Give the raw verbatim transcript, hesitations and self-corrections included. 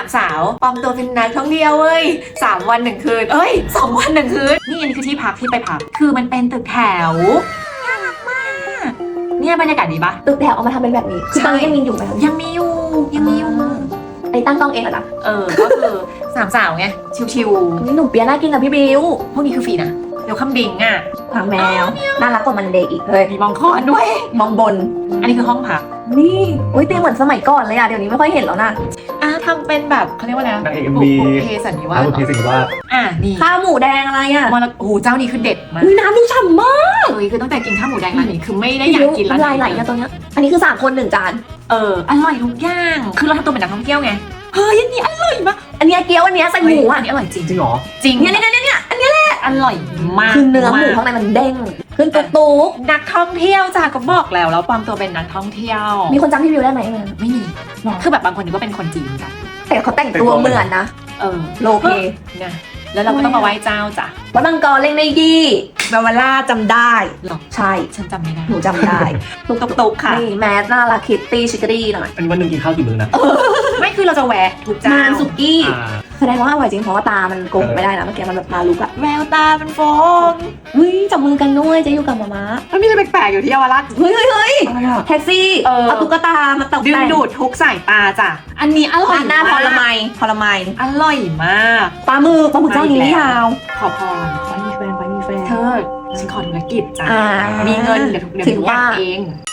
สาวปลอมตัวเป็นนักท่องเที่ยวเว้ยสามวันหนึ่งคืนเอ้ยสองวันหนึ่งคืนนี่อันนี้คือที่พักที่ไปพักคือมันเป็นตึกแถวน่ารักมากเนี่ยบรรยากาศดีปะตึกแถวเอามาทำเป็นแบบนี้คือตอนนี้ยังมีอยู่ไหมยังมีอยู่ยังมีอยู่ไอ้ตั้งกล้องเองเหรอนะเออก็คือสามสาวไงชิวนี่หนุ่มเปียน่ากินกับพี่บิวๆพวกนี้คือฟรีนะเดี๋ยวคำบิงอ่ะหางแมวน่ารักกว่ามันเดย์อีกเลยมีมองคอนด้วยมองบนอันนี้คือห้องพักนี่โอ้ยเตียงเหมือนสมัยก่อนเลยอะเดี๋ยวนี้ไม่ค่อยเห็นแล้วนะอ่ะทำเป็นแบบเขาเรียกว่าอะไรนางเอก เอ็ม วีบุพเพสันนิวาอาสบุพเพสันนิวาสอ่ะนี่ข้าวหมูแดงอะไรอะมรโอ้โหเจ้านี้คือเด็ดมากอุ๊ยน้ำดูฉ่ำมากเฮ้ยคือตั้งแต่กินข้าวหมูแดงร้านนี้คือไม่ได้อยากกินร้านลายไหลอะตอนเนี้ยอันนี้คือสามคนหนึ่งจานเอออร่อยทุกอย่างคือเราทำตัวเป็นนักท่องเที่ยวไงเฮ้ยอันนี้อร่อยมากอันเนี้ยเกี๊ยวอันเนี้ยใส่หมูอัอะนนี้อร่อยจริงจริงเหรอจริงเนี่ยเนี่ยเนี่ยเนี่ยอันเนี้ยอร่อยมากคือเนื้อหมูข้างในมันเด้งขึ้นตุ๊กตุ๊กนักท่องเที่ยวจ้ะก็บอกแล้วแล้วปลอมตัวเป็นนักท่องเที่ยวมีคนจำพี่บิวได้ไหมเออไม่มีคือแบบบางคนนึกว่าเป็นคนจีนจ้ะแต่เขาแต่งตัวเหมือนนะเออโลเพนะแล้วเราก็ต้องมาไหว้เจ้าจ้ะวัดบางกรเล่งในยี่เบลวาล่าจำได้หรอใช่ฉันจำไม่ได้หนูจำได้ตุกตุกตุกค่ะนี่แมสน่ารักคิตตี้ชิคกี้หน่อยอันนี้วันหนึ่งกินข้าวกี่มื้อนะไม่คือเราจะแวะทุกเจ้ามันสุกี้อ่าแสดงว่าอร่อยจริงเพราะว่าตามันโกงไม่ได้นะเมื่อกี้มันแบบตาลุกอะแววตาเป็นฟองเฮ้ยจับมือกันด้วยจะอยู่กับมาม่ามันมีอะไรแปลกๆอยู่ที่เยาวราชเฮ้ยเฮ้ยเฮ้ยอะไรอะแท็กซี่เออเอาตุ๊กตามาตกดึงแต่งดูดทุกสายตาจ้ะอันนี้อร่อยร้านหน้าพอละไมพอละไมอร่อยมากปลาหมึกปลาหมึกเจ้านี้นี่ฮาวขอพรไปมีแฟนไปมีแฟนเธอฉันขอธุรกิจจ้ะอ่ามีเงินเดี๋ยวทุกเดี๋ยวถึงทุกอย่างว่าเอง